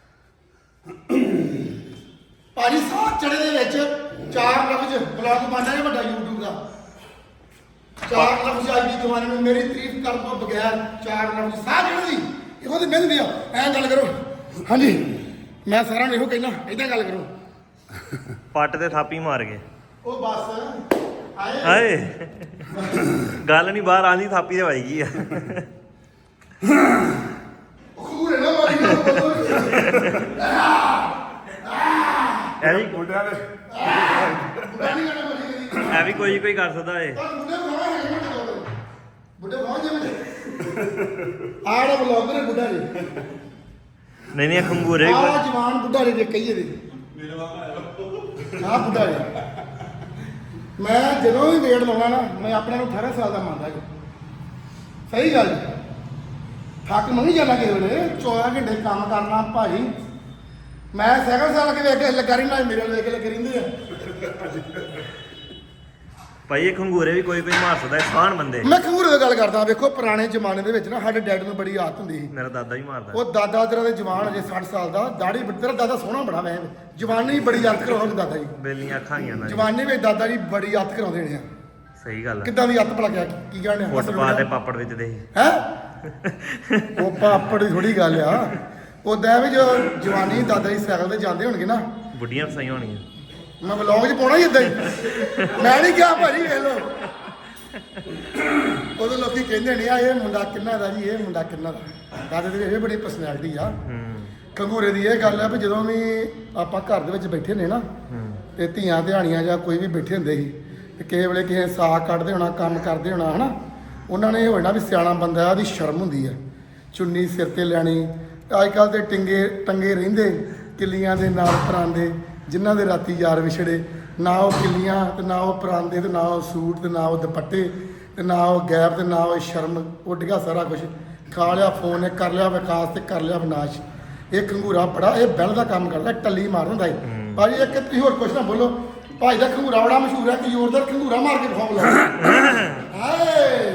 A: ਭਾਜੀ ਸਾਹ ਚੜੇ ਦੇ ਵਿੱਚ ਚਾਰ ਲਫ਼ਜ਼ ਬਲੌਗ ਬਣਦਾ ਹੈ ਵੱਡਾ YouTube ਦਾ। ਚਾਰ ਲਫ਼ਜ਼ ਅੱਜ ਦੀ ਜਵਾਨੀ ਨੂੰ ਮੇਰੀ ਤਾਰੀਫ ਕਰਨ ਤੋਂ ਬਗੈਰ ਚਾਰ ਲਫ਼ਜ਼ ਸਾਹ ਜਿਹੜੀ ਇਹੋ ਤੇ ਮਿਹਨਤ ਆ। ਐਂ ਗੱਲ ਕਰੋ। ਹਾਂਜੀ ਮੈਂ ਸਾਰਿਆਂ ਨੂੰ ਇਹੋ ਕਹਿਣਾ, ਏਦਾਂ ਗੱਲ ਕਰੋ।
B: ਪੱਟ ਤੇ ਥਾਪੀ ਮਾਰ ਗਏ।
A: ਉਹ ਬਸ ਆਏ
B: ਹਾਏ ਗੱਲ ਨਹੀਂ ਬਾਹਰ ਆਂਦੀ, ਥਾਪੀ ਤੇ ਵੱਜ ਗਈ ਆ।
A: ਖੂਰੇ ਨਾ ਮਾਰੀ ਨਾ
B: ਇਹ ਵੀ
C: ਬੁੱਢਿਆਂ ਦੇ
A: ਬੁੱਢਾ ਨਹੀਂ ਕਰਨਾ ਮਾਰੀ
B: ਇਹ ਵੀ ਕੋਈ ਕੋਈ ਕਰ ਸਕਦਾ ਏ।
A: ਪਰ ਬੁੱਢੇ ਬੁਲਾਵਾ ਹੈ ਨਾ ਬੁੱਢੇ ਪਹੁੰਚ ਜੇ ਮੈਂ ਆੜਾ ਬਲੌਗਰ ਹੈ ਬੁੱਢਾ ਜੀ।
B: ਨਹੀਂ ਨਹੀਂ ਖੰਗੂਰੇ ਵੀ
A: ਆ
B: ਕੋਈ-
A: ਜਵਾਨ ਬੁੱਢਾ ਜੀ ਜੇ ਕਹੀਏ ਦੇ ਮੇਰੇ ਵਾਂਗ ਆ ਬੁੱਢਾ ਜੀ। ਮੈਂ ਜਦੋਂ ਵੀ ਵੇਟ ਲਾਉਣਾ ਨਾ ਮੈਂ ਆਪਣੇ ਨੂੰ ਅਠਾਰਾਂ ਸਾਲ ਦਾ ਮੰਨਦਾ ਜੀ। ਸਹੀ ਗੱਲ ਜੀ। ਥੱਕ ਮੈਂ ਨਹੀਂ ਜਾਣਾ ਕਿਸੇ ਵੇਲੇ ਚੌਦਾਂ ਘੰਟੇ ਕੰਮ ਕਰਨਾ ਭਾਈ। ਮੈਂ ਸਾਈਕਲ ਸਾਲ ਕੇ ਵੇਖ ਕੇ ਲੱਗਾ ਰਹਿੰਦਾ ਮੇਰੇ ਵੱਲ ਵੇਖ ਕੇ ਲੱਗੇ ਰਹਿੰਦੇ ਆ।
B: ਭਾਈ ਇਹ ਖੰਗੂਰੇ ਵੀ ਕੋਈ ਕੋਈ ਮਾਰ ਸਕਦਾ ਹੈ, ਸਾਨ ਬੰਦੇ।
A: ਮੈਂ ਖੰਗੂਰੇ ਦੀ ਗੱਲ ਕਰਦਾ। ਵੇਖੋ ਪੁਰਾਣੇ ਜ਼ਮਾਨੇ ਦੇ ਵਿੱਚ ਨਾ ਸਾਡੇ ਡੈਡ ਨੂੰ ਬੜੀ ਆਦਤ ਹੁੰਦੀ ਸੀ।
B: ਮੇਰਾ ਦਾਦਾ ਵੀ ਮਾਰਦਾ।
A: ਉਹ ਦਾਦਾ ਤੇਰਾ ਦੇ ਜਵਾਨ ਅਜੇ ਸੱਠ ਸਾਲ ਦਾ ਦਾੜੀ ਤੇਰਾ ਦਾਦਾ ਸੋਹਣਾ ਬੜਾ ਵੈ ਜਵਾਨੀ ਬੜੀ ਆਦਤ ਕਰਾਉਂਦੇ ਦਾਦਾ ਜੀ।
B: ਬੇਲੀਆਂ ਅੱਖਾਂ ਗਈਆਂ ਨਾ
A: ਜਵਾਨੀ ਵਿੱਚ ਦਾਦਾ ਜੀ ਬੜੀ ਆਦਤ ਕਰਾਉਂਦੇ ਨੇ ਆ।
B: ਸਹੀ ਗੱਲ ਆ।
A: ਕਿੱਦਾਂ ਦੀ ਆਦਤ ਭਲਾ ਕਿਆ ਕੀ ਕਹਿਣੇ
B: ਫੁੱਟਪਾਥ ਤੇ ਪਾਪੜ ਵਿੱਚ ਦੇ
A: ਹੈ ਉਹ ਪਾਪੜ ਦੀ ਥੋੜੀ ਗੱਲ ਆ। ਉਦਾਂ ਵੀ ਜੋ ਜਵਾਨੀ ਦਾਦਾ ਜੀ ਸਾਈਕਲ ਤੇ ਜਾਂਦੇ ਹੋਣਗੇ ਨਾ
B: ਬੁੱਢੀਆਂ ਫਸਾਈਆਂ ਹੋਣੀਆਂ।
A: ਮੈਂ ਵਲੌਗ 'ਚ ਪਾਉਣਾ ਹੀ ਇਦਾਂ ਹੀ। ਮੈਂ ਨਹੀਂ ਕਿਹਾ ਭਾਜੀ ਵੇਖ ਲਓ। ਉਦੋਂ ਲੋਕੀ ਕਹਿੰਦੇ ਨੇ ਆ ਇਹ ਮੁੰਡਾ ਕਿੰਨਾ ਦਾ ਜੀ, ਇਹ ਮੁੰਡਾ ਕਿੰਨਾ ਦਾ। ਦਾਦੇ ਦੀ ਇਹ ਬੜੀ ਪਰਸਨੈਲਿਟੀ ਆ।
B: ਹੂੰ
A: ਖੰਗੂਰੇ ਦੀ ਇਹ ਗੱਲ ਆ ਵੀ ਜਦੋਂ ਵੀ ਆਪਾਂ ਘਰ ਦੇ ਵਿੱਚ ਬੈਠੇ ਨੇ ਨਾ
B: ਹੂੰ
A: ਤੇ ਧੀਆਂ ਧਿਆਣੀਆਂ ਜਾਂ ਕੋਈ ਵੀ ਬੈਠੇ ਹੁੰਦੇ ਸੀ ਤੇ ਕਿਸੇ ਵੇਲੇ ਕਿਸੇ ਸਾਗ ਕੱਢਦੇ ਹੋਣਾ ਕੰਮ ਕਰਦੇ ਹੋਣਾ ਹਨਾ ਉਹਨਾਂ ਨੇ ਇਹ ਹੋਣਾ ਵੀ ਸਿਆਣਾ ਬੰਦਾ ਉਹਦੀ ਸ਼ਰਮ ਹੁੰਦੀ ਆ ਚੁੰਨੀ ਸਿਰ ਤੇ ਲੈਣੀ। ਅੱਜ ਕੱਲ੍ਹ ਤੇ ਟਿੰਗੇ ਟੰਗੇ ਰਹਿੰਦੇ ਕਿੱਲੀਆਂ ਦੇ ਨਾਲ ਪਰਾਂਦੇ ਜਿਨ੍ਹਾਂ ਦੇ ਰਾਤੀ ਯਾਰ ਵਿਛੜੇ। ਨਾ ਉਹ ਕਿੱਲੀਆਂ ਤੇ ਨਾ ਉਹ ਪਰਾਂਦੇ ਤੇ ਨਾ ਉਹ ਸੂਟ ਤੇ ਨਾ ਉਹ ਦੁਪੱਟੇ ਤੇ ਨਾ ਉਹ ਗੈਪ ਤੇ ਨਾ ਉਹ ਸ਼ਰਮ। ਉੱਡ ਗਿਆ ਸਾਰਾ ਕੁਝ। ਖਾ ਲਿਆ ਫੋਨ ਨੇ, ਕਰ ਲਿਆ ਵਿਕਾਸ ਤੇ ਕਰ ਲਿਆ ਵਿਨਾਸ਼। ਇਹ ਖੰਗੂਰਾ ਬੜਾ ਇਹ ਬੈਲ ਦਾ ਕੰਮ ਕਰਦਾ, ਟੱਲੀ ਮਾਰ ਹੁੰਦਾ ਹੈ ਭਾਜੀ। ਇੱਕ ਤੁਸੀਂ ਹੋਰ ਕੁਛ ਨਾ ਬੋਲੋ। ਭਾਈ ਦਾ ਖੰਗੂਰਾ ਬੜਾ ਮਸ਼ਹੂਰ ਹੈ ਕਿ ਜ਼ੋਰਦਾਰ ਖੰਗੂਰਾ ਮਾਰ ਕੇ ਦਿਖਾਓ ਬੁਲਾ। ਹਾਏ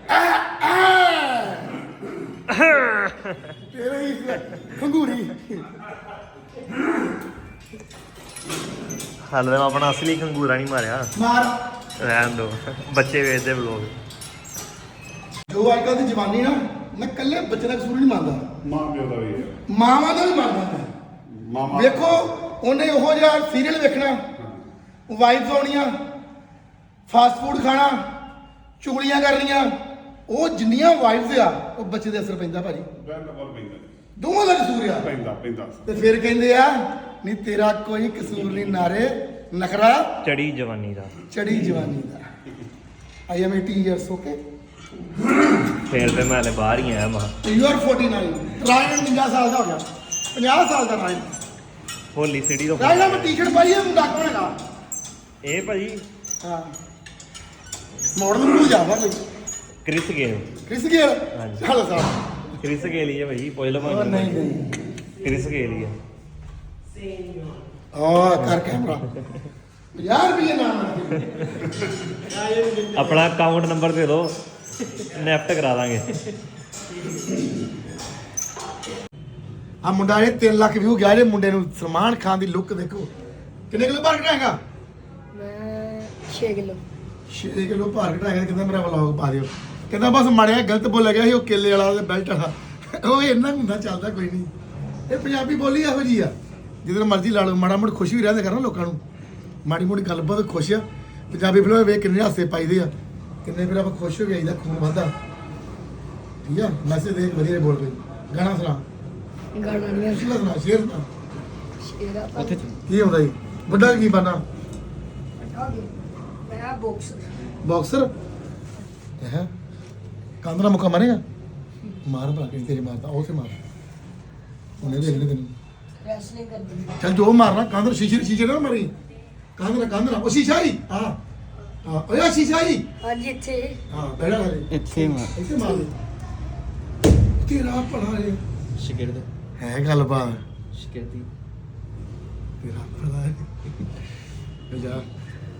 A: ਤੇਰੇ ਹੀ ਖੰਗੂਰੀ।
B: ਹਾਲੇ ਮੈਂ ਆਪਣਾ ਅਸਲੀ ਖੰਗੂਰਾ ਨਹੀਂ ਮਾਰਿਆ।
A: ਮਾਰ
B: ਰਹਿਣ ਦੋ, ਬੱਚੇ ਵੇਚਦੇ ਵਲੋਗ।
A: ਜੋ ਅੱਜ ਕੱਲ੍ਹ ਦੀ ਜਵਾਨੀ ਨਾ ਮੈਂ ਇਕੱਲੇ ਬੱਚੇ ਦਾ ਕਸੂਰ ਨਹੀਂ ਮੰਨਦਾ,
C: ਮਾਂ ਪਿਓ ਦਾ ਵੀ ਹੈ।
A: ਮਾਵਾਂ ਦਾ ਵੀ ਮੰਨਦਾ ਮੈਂ।
C: ਮਾਮਾ
A: ਵੇਖੋ ਉਹਨੇ ਉਹੋ ਜਿਹਾ ਸੀਰੀਅਲ ਵੇਖਣਾ, ਵਾਈਫ ਆਉਣੀਆਂ, ਫਾਸਟ ਫੂਡ ਖਾਣਾ, ਚੁਗਲੀਆਂ ਕਰਨੀਆਂ। ਉਹ ਜਿੰਨੀਆਂ ਵਾਈਫਸ ਆ ਉਹ ਬੱਚੇ ਦੇ ਅਸਰ ਪੈਂਦਾ ਭਾਜੀ।
C: ਪੈਂਦਾ ਪੈਂਦਾ
A: ਦੋਵਾਂ ਦਾ ਕਸੂਰ ਆ।
C: ਪੈਂਦਾ ਪੈਂਦਾ
A: ਤੇ ਫਿਰ ਕਹਿੰਦੇ ਆ ਨਹੀਂ ਤੇਰਾ ਕੋਈ ਕਸੂਰ ਨਹੀਂ ਨਾਰੇ ਨਖਰਾ
B: ਚੜੀ ਜਵਾਨੀ ਦਾ।
A: ਚੜੀ ਜਵਾਨੀ ਦਾ। I am eighteen years okay
B: ਫੇਰ ਤੇ ਮੈਂ ਹਲੇ ਬਾਹਰ ਹੀ ਆਇਆ ਮਾ।
A: ਯੂ ਆਰ forty-nine ਰਾਇਨ ਪੰਜਾਹ ਸਾਲ ਦਾ ਹੋ ਗਿਆ। ਪੰਜਾਹ ਸਾਲ ਦਾ ਰਾਇਨ।
B: ਹੋਲੀ ਸਿਟੀ ਤੋਂ
A: ਰਾਇਨ ਮੈਂ ਟੀ-ਸ਼ਰਟ ਪਾਈ ਹੈ ਮੁੰਡਾ ਕੌਣ ਹੈਗਾ?
B: ਇਹ ਭਾਜੀ
A: ਹਾਂ ਮਾਡਲ ਨੂੰ ਜਾਵਾ ਕੋਈ
B: ਕ੍ਰਿਸ ਗੇਲ।
A: ਕ੍ਰਿਸ ਗੇਲ
B: ਹਾਂਜੀ।
A: ਚੱਲ ਸਾਹਿਬ
B: ਕ੍ਰਿਸ ਗੇਲ ਹੀ ਹੈ ਭਾਜੀ। ਪੁੱਛ ਲਓ
A: ਉਹ
B: ਭਾਜੀ।
A: ਨਹੀਂ ਨਹੀਂ
B: ਕ੍ਰਿਸ ਗੇਲ ਹੀ ਹੈ।
A: ਆ ਕਰ ਕੈਮਰਾ ਪੰਜਾਹ ਰੁਪਏ ਨਾਮ
B: ਆਪਣਾ ਅਕਾਊਂਟ ਨੰਬਰ ਦੇ ਦਿਓ, ਨੈਫਟ ਕਰਾ ਦਾਂਗੇ।
A: ਆ ਮੁੰਡਾ ਇਹ ਤਿੰਨ ਲੱਖ ਵਿਊ ਗਿਆ ਜੇ ਮੁੰਡੇ ਨੂੰ। ਸਲਮਾਨ ਖਾਨ ਦੀ ਲੁੱਕ ਦੇਖੋ। ਕਿੰਨੇ ਕਿਲੋ ਭਾਰ ਘਟਾਏਗਾ?
E: ਮੈਂ ਛੇ ਕਿਲੋ।
A: ਛੇ ਕਿਲੋ ਭਾਰ ਘਟਾਏਗਾ। ਕਹਿੰਦਾ ਮੇਰਾ ਵਲੌਗ ਪਾ ਦਿਓ। ਕਹਿੰਦਾ ਬਸ ਮਾੜਿਆ ਗਲਤ ਬੋਲਿਆ ਗਿਆ ਸੀ ਉਹ ਕੇਲੇ ਵਾਲਾ ਤੇ ਬੈਲਟ ਵਾਲਾ। ਉਹ ਇੰਨਾ ਹੁੰਦਾ ਚੱਲਦਾ ਕੋਈ ਨਹੀਂ। ਇਹ ਪੰਜਾਬੀ ਬੋਲੀ ਇਹੋ ਜੀ ਆ ਜਿੱਦਾਂ ਮਰਜ਼ੀ ਲਾ ਲਓ। ਮਾੜਾ ਮੋੜ ਖੁਸ਼ੀ ਵੀ ਰਹਿੰਦੇ ਕਰਨਾ ਲੋਕਾਂ ਨੂੰ। ਮਾੜੀ ਮੋੜੀ ਗੱਲਬਾਤ ਖੁਸ਼ ਆ। ਪੰਜਾਬੀ ਫਿਲਮਾਂ ਵੇਖ ਕਿੰਨੇ ਹਾਸੇ ਪਾਈਦੇ ਆ, ਕਿੰਨੇ ਫਿਰ ਆਪਾਂ ਖੁਸ਼ ਹੋ ਕੇ ਆਈਦਾ, ਖੂਨ ਵੱਧਦਾ। ਠੀਕ ਆ ਮੈਸੇਜ ਦੇਖ ਵਧੀਆ ਬੋਲ ਕੋਈ ਗਾਣਾ ਸੁਣਾ।
E: ਗਾਣਾ ਨਹੀਂ
A: ਪਿਛਲਾ ਸੁਣਾ ਸ਼ੇਰ ਸੁਣਾ।
E: ਸ਼ੇਰਾ ਤਾਂ
A: ਕੀ ਹੁੰਦਾ ਜੀ ਵੱਡਾ ਕੀ ਬਣਨਾ?
E: ਮੈਂ ਬਾਕਸ
A: ਬਾਕਸਰ ਹੈ। ਕੰਧ ਨਾਲ ਮੁੱਕਾ ਮਾਰੇਗਾ? ਮਾਰ ਭਲਾ ਕਿਹੜੀ ਤੇਰੀ ਮਾਰਦਾ ਉਹ ਤੇ ਮਾਰ। ਉਹਨੇ ਵੇਖ ਲੈ ਤੈਨੂੰ।
E: ਰੈਸਲਿੰਗ ਕਰਦੀ
A: ਚੱਲ ਜੋ ਮਾਰਨਾ ਕੰਧ ਸ਼ੀਸ਼ੇ ਸ਼ੀਸ਼ੇ ਨਾ ਮਾਰੀ। ਕੰਧ ਨਾਲ ਕੰਧ ਨਾਲ ਉਹ ਸ਼ੀਸ਼ਾ ਹੀ ਹਾਂ ਹਾਂ ਓਏ ਆਹ ਸ਼ੀਸ਼ਾ ਹੀ
E: ਅੱਜ ਇੱਥੇ
A: ਹਾਂ ਬੈਠਾ ਲੈ
D: ਇੱਥੇ ਮਾਰ
A: ਇੱਥੇ ਮਾਰ ਦੇ। ਤੇਰਾ ਭਲਾ ਹੈ
D: ਸ਼ਿਕਰਦ
A: ਹੈ ਗੱਲਬਾਤ।
D: ਸ਼ਿਕਰਦੀ
A: ਤੇਰਾ ਭਲਾ ਹੈ ਜਾ